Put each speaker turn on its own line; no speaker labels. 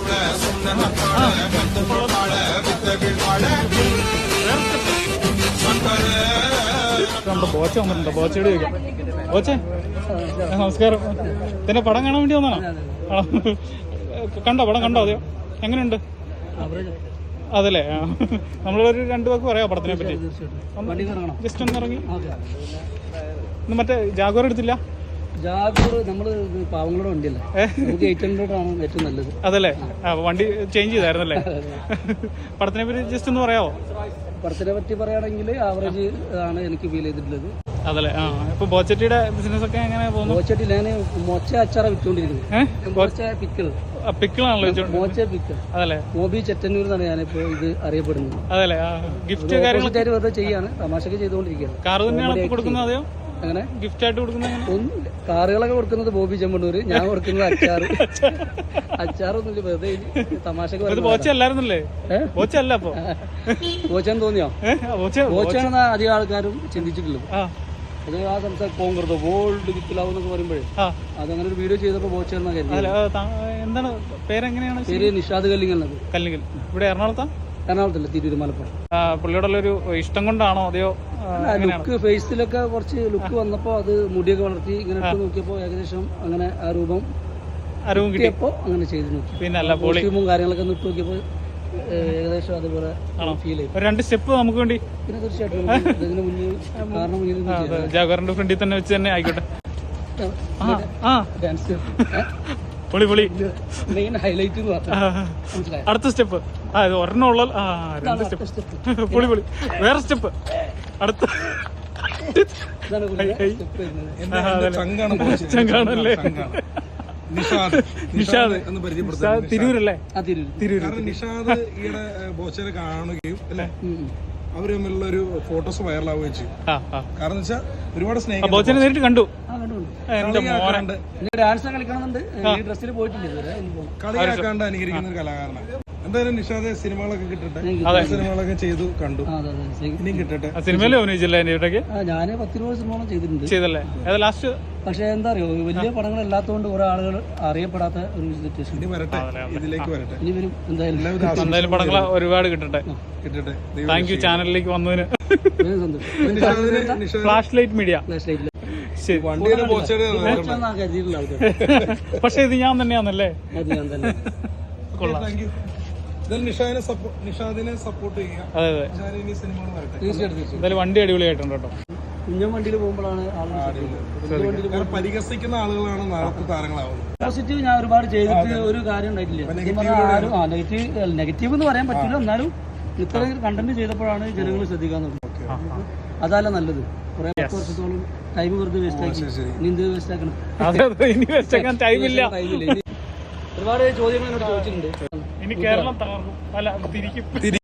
നമ്മുടെ ബോച്ച വന്നിട്ടുണ്ടോ? ബോച്ചയോട് ചോദിക്കാം. ബോച്ചെ നമസ്കാരം. ഇതിന്റെ പടം കാണാൻ വേണ്ടി വന്നാണോ? കണ്ടോ? പടം കണ്ടോ? അതെയോ? എങ്ങനെയുണ്ട്? അതല്ലേ, നമ്മളൊരു രണ്ടു വാക്ക് പറയാം പടത്തിനെ പറ്റി. ജസ്റ്റ് ഒന്ന് ഇറങ്ങി. ഇന്ന് മറ്റേ ജാഗോർ എടുത്തില്ല?
ജാഗോർ നമ്മള് പാവങ്ങളുടെ വണ്ടിയല്ലേ, നമുക്ക് 800 ആണ് ഏറ്റവും നല്ലത്. അതല്ലേ,
വണ്ടി ചേഞ്ച് ചെയ്തായിരുന്നല്ലേ? പടത്തിനെ പറ്റി ജസ്റ്റ് ഒന്ന് പറയാമോ?
പടത്തിനെ പറ്റി പറയുകയാണെങ്കിൽ ആവറേജ് ആണ് എനിക്ക് ഫീൽ ചെയ്തിട്ടുള്ളത്.
അതല്ലേ. ഇപ്പൊ ബോച്ചട്ടിയുടെ ബിസിനസ് ഒക്കെ എങ്ങനെ പോകുന്നു?
ബോച്ചട്ടി ഞാൻ മൊച്ച അച്ചാറ വിറ്റുകൊണ്ടിരിക്കുന്നത്.
പിക്കിളാണല്ലോ
മോച്ച പിക്കിൾ.
അതല്ലേ.
മോബി ചെറ്റന്നൂർ എന്നാണ് ഞാനിപ്പോ ഇത് അറിയപ്പെടുന്നത്.
അതല്ലേ. ഗിഫ്റ്റ്
വെറുതെ ചെയ്യാണ്, തമാശക്ക് ചെയ്തുകൊണ്ടിരിക്കുകയാണ്.
കാർ തന്നെയാണ് കൊടുക്കുന്നത്? അതെയോ?
അങ്ങനെ
ഗിഫ്റ്റ് ആയിട്ട് കൊടുക്കുന്നത്?
ഒന്നുമില്ല, കാറുകളൊക്കെ കൊടുക്കുന്നത് ബോബി ചെമ്മണ്ണൂര്, ഞാൻ കൊടുക്കുന്നത് അച്ചാറൊന്നുമില്ല, വെറുതെ തമാശക്ക്.
ബോച്ചല്ലായിരുന്നല്ലേ? ബോച്ചല്ല. അപ്പൊ
ബോച്ചാന്ന് തോന്നിയോ? ബോച്ചാണെന്ന് അധികം ആൾക്കാരും ചിന്തിച്ചിട്ടുള്ളത്. അത് ആ സംസാരം കോൺഗ്രസ് വേൾഡ് വിത്തിലാവെന്നൊക്കെ പറയുമ്പോഴേ അതങ്ങനെ ഒരു വീഡിയോ ചെയ്തപ്പോ ബോച്ചെന്ന
എന്താണ് പേരെങ്ങനെയാണ്?
പേര് നിഷാദ് കല്ലിങ്ങൽ.
കല്ലിങ്ങൽ ഇവിടെ
എറണാകുളത്തല്ല, തിരൂര്, മലപ്പുറം.
പുള്ളിയോടുള്ള ഒരു ഇഷ്ടം കൊണ്ടാണോ അതെയോ?
ലുക്ക് ഫേസിലൊക്കെ കുറച്ച് ലുക്ക് വന്നപ്പോ അത് മുടിയൊക്കെ വളർത്തി ഇങ്ങനെ ഇട്ട് നോക്കിയപ്പോ ഏകദേശം അങ്ങനെ ആ രൂപം കിട്ടിയപ്പോ അങ്ങനെ ചെയ്ത് നോക്കി.
പിന്നെ
കോസ്റ്റ്യൂമും കാര്യങ്ങളൊക്കെ ഒന്ന് ഇട്ട് നോക്കിയപ്പോ ഏകദേശം അതുപോലെ ഫീൽ ചെയ്യും.
2 സ്റ്റെപ്പ് നമുക്ക് വേണ്ടി.
പിന്നെ തീർച്ചയായിട്ടും ഇതിന് മുന്നിൽ കാരണം മുന്നിൽ
ജാഗറിന്റെ ഫ്രണ്ടിൽ തന്നെ വെച്ച് തന്നെ ആയിക്കോട്ടെ.
ഡാൻസ്
പൊളി പൊളി.
മെയിൻ ഹൈലൈറ്റ് എന്ന് പറഞ്ഞാൽ
അടുത്ത സ്റ്റെപ്പ് ഒരെണ്ണം ഉള്ള 2 സ്റ്റെപ്പ്. പൊളി പൊളി. വേറെ സ്റ്റെപ്പ് അടുത്ത ചങ്കാണല്ലേ. നിഷാദ് തിരൂരല്ലേ?
നിഷാദ് ഈയിടെ ബോച്ചനെ കാണുകയും അല്ലെ, അവര് തമ്മിലുള്ള ഒരു ഫോട്ടോസ് വൈറലാവുകയും ചെയ്യും. കാരണം വെച്ചാൽ ഒരുപാട് സ്നേഹം.
ബോച്ചനെ നേരിട്ട് കണ്ടു.
ഡാൻസ് കളിക്കണമെന്നുണ്ട്, ഡ്രസ്സിൽ പോയിട്ടില്ല.
കളിയാക്കാണ്ട് അനുകരിക്കുന്ന ഒരു കലാകാരനാണ്. എന്തായാലും നിഷാദ് സിനിമകളൊക്കെ കിട്ടട്ടെ, സിനിമകളൊക്കെ ചെയ്തു കണ്ടു, ഇനിയും കിട്ടട്ടെ.
സിനിമയിലും അഭിനയിച്ചില്ല?
ഞാൻ 10-20 സിനിമകളും ചെയ്തിട്ടുണ്ട്.
ചെയ്തല്ലേ? ലാസ്റ്റ്
പക്ഷെ എന്താ അറിയോ, വലിയ പടങ്ങൾ അല്ലാത്തതുകൊണ്ട് കുറെ ആളുകൾ അറിയപ്പെടാത്ത ഒരു സിറ്റുവേഷൻ.
ഇനി വരട്ടെ, ഇതിലേക്ക് വരട്ടെ.
ഇനി വരും
എന്തായാലും പടങ്ങൾ ഒരുപാട് കിട്ടട്ടെ. താങ്ക് യു ചാനലിലേക്ക് വന്നതിന്. Flash light media. പക്ഷെ ഇത് ഞാൻ തന്നെയാണല്ലേ? കൊള്ളാം.
നിഷാദിനെ സപ്പോർട്ട് ചെയ്യാം.
അതെ അതെ, എന്തായാലും വണ്ടി അടിപൊളിയായിട്ടുണ്ട് കേട്ടോ.
കുഞ്ഞൻ വണ്ടിയിൽ പോകുമ്പോഴാണ്
പരിഹസിക്കുന്ന ആളുകളാണ് നാളത്തെ താരങ്ങളാവുന്നത്.
പോസിറ്റീവ് ഞാൻ ഒരുപാട് ചെയ്തിട്ട് ഒരു കാര്യം ഉണ്ടായിട്ടില്ല. നെഗറ്റീവ് എന്ന് പറയാൻ പറ്റില്ല, എന്നാലും ഇത്ര കണ്ടന്റ് ചെയ്തപ്പോഴാണ് ജനങ്ങൾ ശ്രദ്ധിക്കാൻ തുടങ്ങുന്നത്. അതല്ല നല്ലത്. കുറെ 10 വർഷത്തോളം ടൈം വെറുതെ വേസ്റ്റ് ആക്കി, ഇനി എന്ത് വേസ്റ്റ് ആക്കണം?
ടൈമില്ല.
ഒരുപാട് ചോദ്യങ്ങൾ എന്നോട് ചോദിച്ചിട്ടുണ്ട്.
ഇനി കേരളം തകർന്നു. അല്ല, തിരിക്കും.